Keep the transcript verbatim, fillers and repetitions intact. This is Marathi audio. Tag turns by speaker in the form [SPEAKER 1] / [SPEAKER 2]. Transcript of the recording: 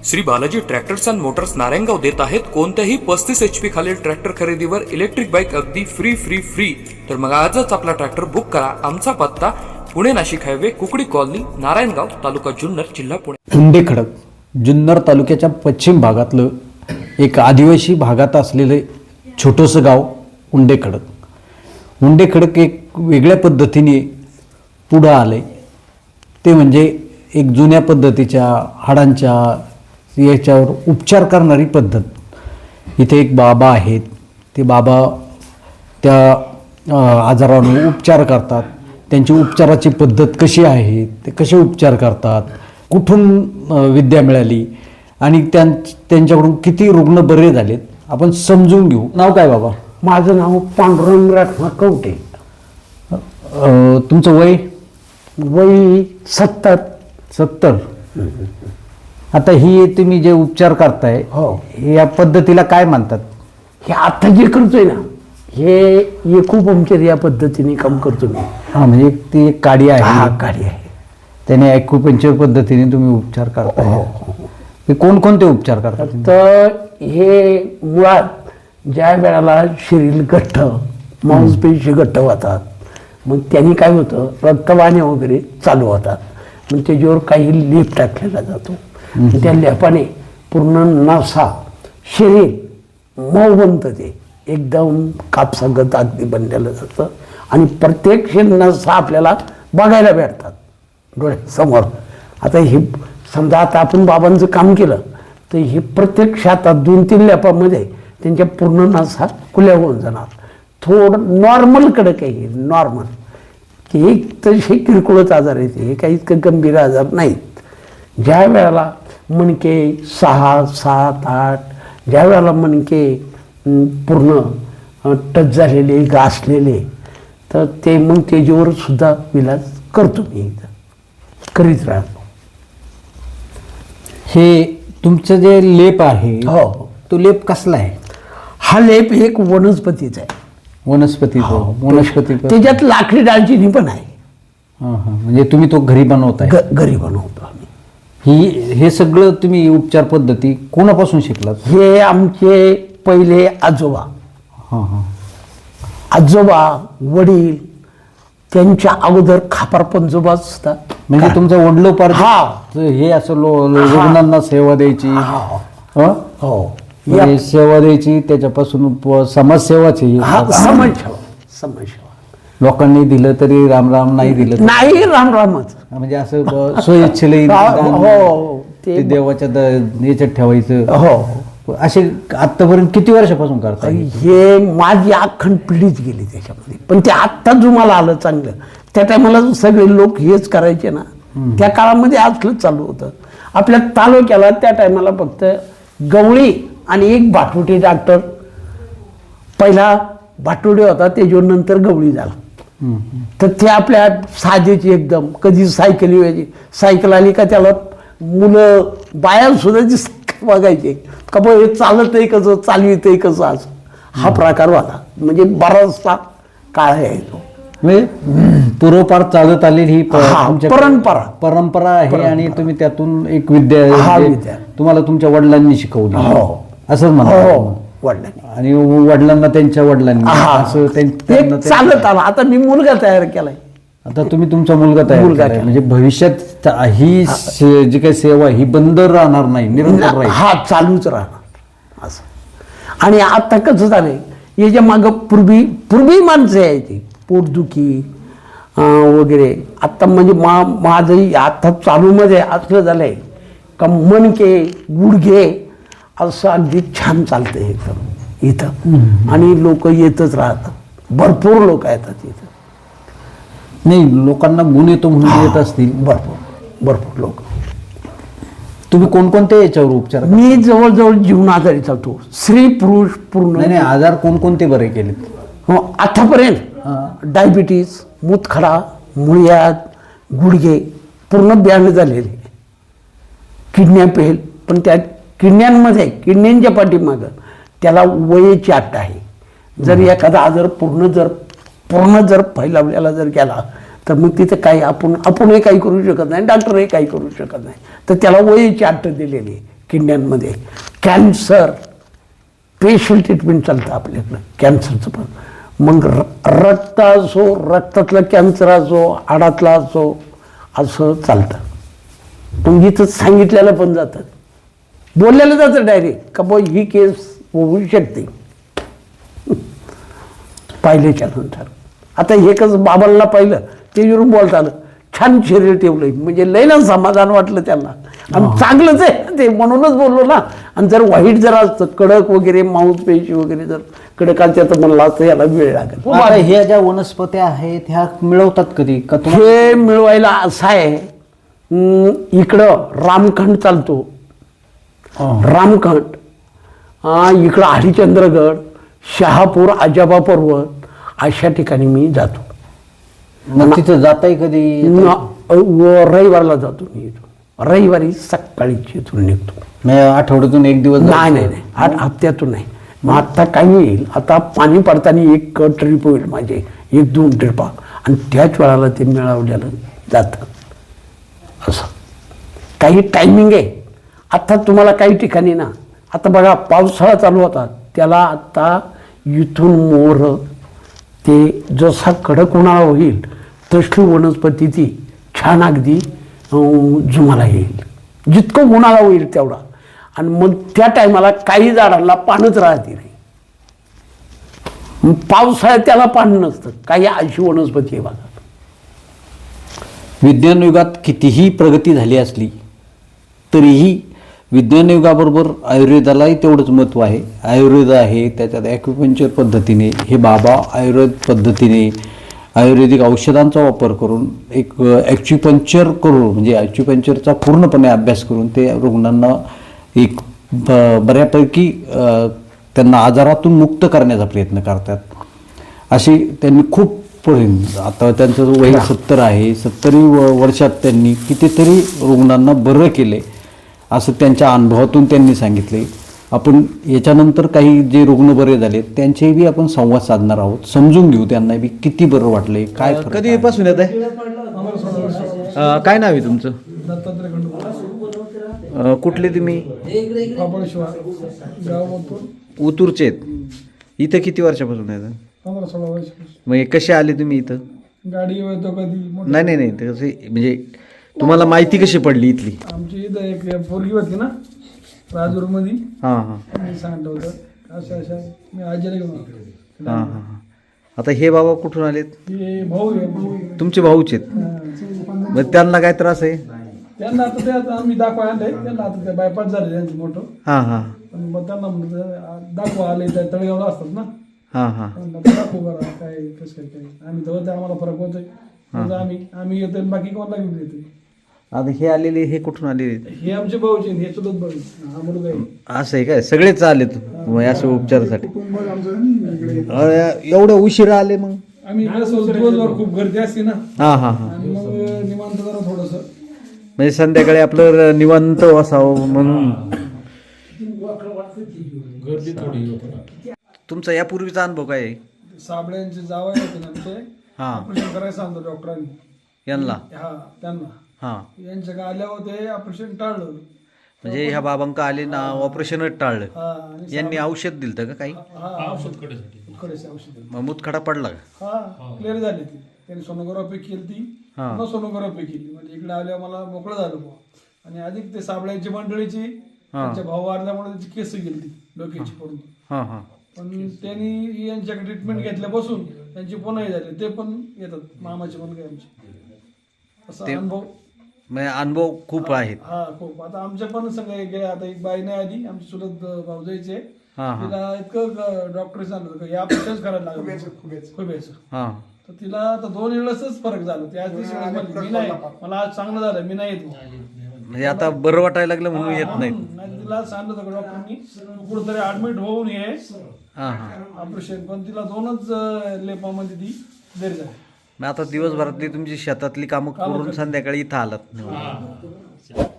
[SPEAKER 1] Shri Balaji tractors and motors Narayangaon देत आहेत कोणत्याही पस्तीस एच पी खालील ट्रॅक्टर खरेदीवर इलेक्ट्रिक बाईक अगदी फ्री फ्री फ्री तर मग आजच आपला ट्रॅक्टर बुक करा. आमचा पत्ता पुणे नाशिक हायवे कुकडी कॉलनी नारायणगाव तालुका जुन्नर जिल्हा पुणे.
[SPEAKER 2] उंडेखडक जुन्नर तालुक्याच्या पश्चिम भागातलं एक आदिवासी भागात असलेलं छोटंसं गाव उंडेखडक. उंडेखडक एक वेगळ्या पद्धतीने पुढं आले ते म्हणजे एक जुन्या पद्धतीच्या हाडांच्या याच्यावर उपचार करणारी पद्धत. इथे एक बाबा आहेत, ते बाबा त्या आजारावर उपचार करतात. त्यांची उपचाराची पद्धत कशी आहे, ते कसे उपचार करतात, कुठून विद्या मिळाली आणि त्यां त्यांच्याकडून किती रुग्ण बरे झालेत आपण समजून घेऊ. नाव काय बाबा?
[SPEAKER 3] माझं नाव पांडुरंग राठवा कवटे.
[SPEAKER 2] तुमचं वय?
[SPEAKER 3] वय सत्तर.
[SPEAKER 2] सत्तर. आता ही तुम्ही जे उपचार करताय
[SPEAKER 3] हो,
[SPEAKER 2] या पद्धतीला काय म्हणतात?
[SPEAKER 3] हे आता जे करतोय ना, हे एकुपंक्चर या पद्धतीने काम करतो मी.
[SPEAKER 2] हा, म्हणजे ती एक काडी आहे.
[SPEAKER 3] हा, काडी आहे.
[SPEAKER 2] त्याने ॲक्युपंक्चर पद्धतीने तुम्ही उपचार करताय.
[SPEAKER 3] हो.
[SPEAKER 2] हे कोणकोणते उपचार करतात?
[SPEAKER 3] तर हे मुळात ज्या वेळेला शरीर घट्ट, मांसपेशी घट्ट होतात, मग त्यांनी काय होतं, रक्तवाहिन्या वगैरे चालू होतात. मग त्याच्यावर काही लेप टाकलेला जातो. त्या लेपाने पूर्ण नसा शरीर मऊ बनतं, ते एकदम कापसागत अगदी बनलेलं जातं आणि प्रत्येक नसा आपल्याला बघायला भेटतात डोळ्यासमोर. आता हे समजा आता आपण बाबांचं काम केलं तर हे प्रत्यक्षात दोन तीन लेपामध्ये त्यांच्या पूर्ण नसा खुल्या होऊन जाणार. थोडं नॉर्मल कडक आहे, हे नॉर्मल. हे तसे किरकोळच आजार आहेत, हे काही इतकं गंभीर आजार नाहीत. ज्या वेळेला मणके सहा सात आठ, ज्या वेळेला मणके पूर्ण टच झालेले घासलेले, तर ते मग त्याच्यावर सुद्धा इलाज करतो मी, इथं करीत राहतो.
[SPEAKER 2] हे तुमचं जे लेप आहे,
[SPEAKER 3] हो,
[SPEAKER 2] तो लेप कसला आहे?
[SPEAKER 3] हा लेप एक वनस्पतीचा आहे.
[SPEAKER 2] वनस्पती वनस्पती
[SPEAKER 3] त्याच्यात लाकडी दालचिनी पण आहे.
[SPEAKER 2] हां हां, म्हणजे तुम्ही तो घरी बनवताय?
[SPEAKER 3] ग- घरी बनवतो आम्ही.
[SPEAKER 2] ही हे सगळं तुम्ही उपचार पद्धती कोणापासून शिकलात?
[SPEAKER 3] हे आमचे पहिले आजोबा
[SPEAKER 2] हां हां.
[SPEAKER 3] आजोबा वडील त्यांच्या अगोदर खापर पंजोबा सुद्धा.
[SPEAKER 2] म्हणजे तुमचं वडलोपार
[SPEAKER 3] हा.
[SPEAKER 2] हे असं लो लो- रुग्णांना सेवा द्यायची.
[SPEAKER 3] हा.
[SPEAKER 2] हं?
[SPEAKER 3] हो,
[SPEAKER 2] म्हणजे सेवा द्यायची, त्याच्यापासून प- समाजसेवाची.
[SPEAKER 3] हा, समाजसेवा समाजसेवा.
[SPEAKER 2] लोकांनी दिलं तरी राम राम, नाही दिलं तरी-
[SPEAKER 3] नाही राम रामच.
[SPEAKER 2] म्हणजे असं ब- स्वइच्छेने दान,
[SPEAKER 3] हो,
[SPEAKER 2] ते
[SPEAKER 3] ते
[SPEAKER 2] देवाच्या द- याच्यात ठेवायचं.
[SPEAKER 3] हो.
[SPEAKER 2] असे आतापर्यंत किती वर्षापासून करताय?
[SPEAKER 3] हे माझी अखंड पिढीच गेली त्याच्यामध्ये. पण ते आत्ता जो मला आलं चांगलं, त्या टायमाला सगळे लोक हेच करायचे ना, त्या काळामध्ये असलंच चालू होतं. आपल्या तालुक्याला त्या टायमाला फक्त गवळी आणि एक भाटवटी डॉक्टर, पहिला भाटवडी होता, त्याच्यावर नंतर गवळी झाला. तर ते आपल्या साधेची एकदम, कधी सायकल यायची, सायकल आली का त्याला मुलं बाया सुद्धा जी सायकल बघायचे का बघ हे चालत आहे कसं, चालवित आहे कसं, असं हा प्रकार होता. म्हणजे बराचसा काळ आहे तो.
[SPEAKER 2] म्हणजे पूर्वपार चालत आलेली ही प-
[SPEAKER 3] हा,
[SPEAKER 2] तुमच्या
[SPEAKER 3] परंपरा.
[SPEAKER 2] परंपरा आहे. आणि तुम्ही त्यातून एक विद्या
[SPEAKER 3] हा,
[SPEAKER 2] म्हणजे
[SPEAKER 3] विद्या.
[SPEAKER 2] तुम्हाला तुमच्या वडिलांनी शिकवली.
[SPEAKER 3] हो.
[SPEAKER 2] असंच म्हणा.
[SPEAKER 3] हो, वडिलांनी.
[SPEAKER 2] आणि वडिलांना त्यांच्या वडिलांनी असं त्यां- त्यांना
[SPEAKER 3] एक
[SPEAKER 2] ते-
[SPEAKER 3] चालत आला. आता मी मुलगा तयार केलाय.
[SPEAKER 2] आता तुम्ही तुमचा मुलगा तयार
[SPEAKER 3] मुलगा
[SPEAKER 2] केलाय.
[SPEAKER 3] केला.
[SPEAKER 2] म्हणजे भविष्यात ही से- जी काही सेवा ही बंद राहणार नाही, निरंतर राहील.
[SPEAKER 3] हा, चालूच राहणार असं. आणि आता कसं झालंय, याच्या मागं पूर्वी पूर्वी माणसं यायची पोटदुखी अं, वगैरे. आता म्हणजे मा माझंही आता चालूमध्ये असलं झालंय का मणके गुडघे असं अगदी छान चालतं एकदम इथं. आणि लोक येतच राहतात, भरपूर लोक येतात इथं.
[SPEAKER 2] नाही, लोकांना गुण येतो म्हणून येत असतील.
[SPEAKER 3] भरपूर भरपूर लोक.
[SPEAKER 2] तुम्ही कोणकोणत्या याच्यावर उपचार करता?
[SPEAKER 3] मी जवळजवळ जीवन आजारी चालतो, स्त्री पुरुष पूर्ण.
[SPEAKER 2] नाही नाही, आजार कोणकोणते बरे केलेत?
[SPEAKER 3] हो, आतापर्यंत डायबिटीज, मूतखडा, मुळ्यात, गुडघे पूर्ण ब्यान झालेले, किडन्या फेल. पण त्या किडन्यांमध्ये किडन्यांच्या पाठीमागं त्याला वयाची अट आहे. जर एखादा आजार पूर्ण जर पूर्ण जर फैलावलेला जर गेला तर मग तिथे काही आपण आपणही काही करू शकत नाही, डॉक्टरही काही करू शकत नाही. तर त्याला वयाची अट दिलेली आहे किडण्यांमध्ये. कॅन्सर स्पेशल ट्रीटमेंट चालतं आपल्याकडं कॅन्सरचं पण. मग र रक्त असो, रक्तातलं कॅन्सर असो, हाडातला असो, असं चालतं. मग इथं सांगितलेलं पण जातं, बोललेलं जातं डायरेक्ट का बा ही केस होऊ शकते पाहिल्याच्या नंतर. आता हे कसं बाबांना पाहिलं त्याच्यावरून बोलता आलं, छान शरीर ठेवलंय म्हणजे लय ना समाधान वाटलं त्यांना. आणि चांगलंच आहे ते म्हणूनच बोललो ना. आणि जर वाईट जर असतं कडक वगैरे मांसपेशी वगैरे जर कडक असतं तर म्हणलं असतं याला वेळ लागेल.
[SPEAKER 2] आता ह्या ज्या वनस्पत्या आहेत ह्या मिळवतात कधी का तुम्हाला?
[SPEAKER 3] हे मिळवायला असं आहे, अं, इकडं रामखंड चालतो, रामखंड, अं, इकडं हरिश्चंद्रगड, शहापूर, आजाबा पर्वत अशा ठिकाणी मी जातो.
[SPEAKER 2] मग तिथं जाताय कधी?
[SPEAKER 3] न- व- रविवारला जातो मी इथून. रविवारी सकाळीच इथून निघतो.
[SPEAKER 2] म्हणजे आठवड्यातून एक दिवस
[SPEAKER 3] नाही नाही नाही आठ हप्त्यातून नाही. मग आत्ता काय येईल, आता पाणी पडताना एक ट्रिप होईल माझे, एक दोन ट्रिपा, आणि त्याच वेळाला ते मिळवलेलं जातं. असं काही टायमिंग आहे. आता तुम्हाला काही ठिकाणी ना, आता बघा पावसाळा चालू होता त्याला आता इथून मोर ते जसा कडक उन्हाळा होईल तसली वनस्पती ती छान अगदी अं, जुमाला येईल. जितकं उन्हाळा होईल तेवढा. आणि मग त्या टायमाला काही झाडांना पानच राहते नाही. मग पावसाळ्यात त्याला पान नसतं. काही अशी वनस्पती आहे बघा.
[SPEAKER 2] विज्ञान युगात कितीही प्रगती झाली असली तरीही विज्ञान युगाबरोबर आयुर्वेदालाही तेवढंच महत्त्व आहे. आयुर्वेद आहे, त्याच्यात ॲक्युपंक्चर पद्धतीने हे बाबा आयुर्वेद पद्धतीने आयुर्वेदिक औषधांचा वापर करून एक ॲक्युपंक्चर करून म्हणजे ॲक्युपंक्चरचा पूर्णपणे अभ्यास करून ते रुग्णांना एक ब बऱ्यापैकी त्यांना आजारातून मुक्त करण्याचा प्रयत्न करतात. अशी त्यांनी खूप पुढे, आता त्यांचं वय सत्तर आहे, सत्तरी वर्षात त्यांनी कितीतरी रुग्णांना बरं केले असं त्यांच्या अनुभवातून त्यांनी सांगितले. आपण याच्यानंतर काही जे रुग्ण बरे झाले त्यांचेही बी आपण संवाद साधणार आहोत, समजून घेऊ त्यांना बी किती बरं वाटले, काय फरक आहे.
[SPEAKER 4] कधीपासून येत आहे? अं, काय नाव आहे तुमचं? अं, कुठले तुम्ही? उतूरचे आहेत. इथं किती वर्षापासून येतं?
[SPEAKER 5] पंधरा सोळा वर्ष.
[SPEAKER 4] मग हे कसे आले तुम्ही इथं?
[SPEAKER 5] गाडी येतो कधी मोठी.
[SPEAKER 4] नाही नाही नाही ते कसे म्हणजे तुम्हाला माहिती कशी पडली इथली?
[SPEAKER 5] आमची इथं एक पोरगी होती ना राजूर मध्ये,
[SPEAKER 4] हां हां
[SPEAKER 5] मी सांगितलं होतं अशा अशा मी आजीला घेऊन आलो.
[SPEAKER 4] हां हां हां. आता हे बाबा कुठून आलेत?
[SPEAKER 5] हे भाऊ आहे भाऊ आहे.
[SPEAKER 4] तुमचे भाऊच आहेत.
[SPEAKER 5] हा.
[SPEAKER 4] मग त्यांना काय त्रास आहे?
[SPEAKER 5] त्यांना आता ते आता आम्ही दाखवा आणलंय त्यांना. आता ते बायपास झाले त्यांचं मोठं.
[SPEAKER 4] हां हां
[SPEAKER 5] पण मग त्यांना म्हणलं दाखवा आले त्या तळेगावला असतात ना,
[SPEAKER 4] हां हां
[SPEAKER 5] त्यांना ते दाखवू करा काय कसं काय काय. आम्ही तर आम्हाला फरक होतोय. मग आम्ही आम्ही येतोय बाकी कोणाला घेऊन येतोय.
[SPEAKER 4] आता हे आलेले हे कुठून आलेले?
[SPEAKER 5] हे आमचे भाऊचे हे चुलत भाऊ हा मुलगा आहे.
[SPEAKER 4] असं आहे काय? सगळेच आलेत मग अशा उपचारासाठी?
[SPEAKER 5] कुटुंब आमचं इकडे.
[SPEAKER 4] अरे, एवढं उशिरा आले मग?
[SPEAKER 5] आम्ही कसं दिवसभर खूप गर्दी असते ना,
[SPEAKER 4] हां हां हां.
[SPEAKER 5] आणि मग निवांत जरा थोडस.
[SPEAKER 4] म्हणजे संध्याकाळी आपलं निवांत असावं म्हणून.
[SPEAKER 5] गर्दी थोडी होती.
[SPEAKER 4] तुमचा यापूर्वीचा अनुभव काय आहे?
[SPEAKER 5] साबळ्यांचे जावई होते ना आमचे,
[SPEAKER 4] हां
[SPEAKER 5] ऑपरेशन करायला सांगतो डॉक्टरांनी.
[SPEAKER 4] यांना?
[SPEAKER 5] हा त्यांना
[SPEAKER 4] हां.
[SPEAKER 5] यांच्या का आल्या होते ऑपरेशन टाळलं.
[SPEAKER 4] म्हणजे ह्या बाबांका आले ना ऑपरेशनच टाळलं.
[SPEAKER 5] हा आणि
[SPEAKER 4] यांनी औषध दिलं का काही?
[SPEAKER 5] हा औषध कडेचे औषध
[SPEAKER 4] मग मुतखडा पडला का?
[SPEAKER 5] हा क्लिअर झाली ती. त्यांनी सोनोग्राफी केली ती,
[SPEAKER 4] हा.
[SPEAKER 5] पुन्हा सोनोग्राफी केली. म्हणजे इकडे आल्यावर मला मोकळं झालं बुवा. आणि अधिक ते साबळ्यांची मंडळीची त्यांच्या भाऊ वारल्यामुळे त्याची केस गेली ती डोक्याची पडून.
[SPEAKER 4] हां हां.
[SPEAKER 5] पण त्यांनी यांच्याकडे ट्रीटमेंट घेतल्यापासून त्यांची पुन्हा झाले. ते पण येतात मामाचे मुलगे आमचे. असा अनुभव
[SPEAKER 4] म्हणजे अनुभव खूप आहेत.
[SPEAKER 5] हा खूप. आता आमच्या पण सगळे गेले. आता एक बाई नाही आली आमची चुलत भाऊजाईचे,
[SPEAKER 4] हां हां
[SPEAKER 5] तिला इतकं डॉक्टर सांगत होतं या ऑपरेशन करायला लागलं खुब्याचं.
[SPEAKER 4] हां.
[SPEAKER 5] तर तिला आता दोन वेळेसच फरक झाला. ती आज तिसरी वेळेस म्हणली, मी नाही, मला आज चांगलं झालं, मी नाही येत.
[SPEAKER 4] म्हणजे आता बरं वाटायला लागलं म्हणून येत नाहीत.
[SPEAKER 5] नाही तिला सांगितलं होतं डॉक्टरनी कुठेतरी ऍडमिट होऊन ये
[SPEAKER 4] हां हां.
[SPEAKER 5] ऑपरेशन. पण तिला दोनच अं, लेपामध्ये ती बरी झाली.
[SPEAKER 4] मग आता दिवसभरातली तुमची शेतातली कामं करून संध्याकाळी इथं आलात.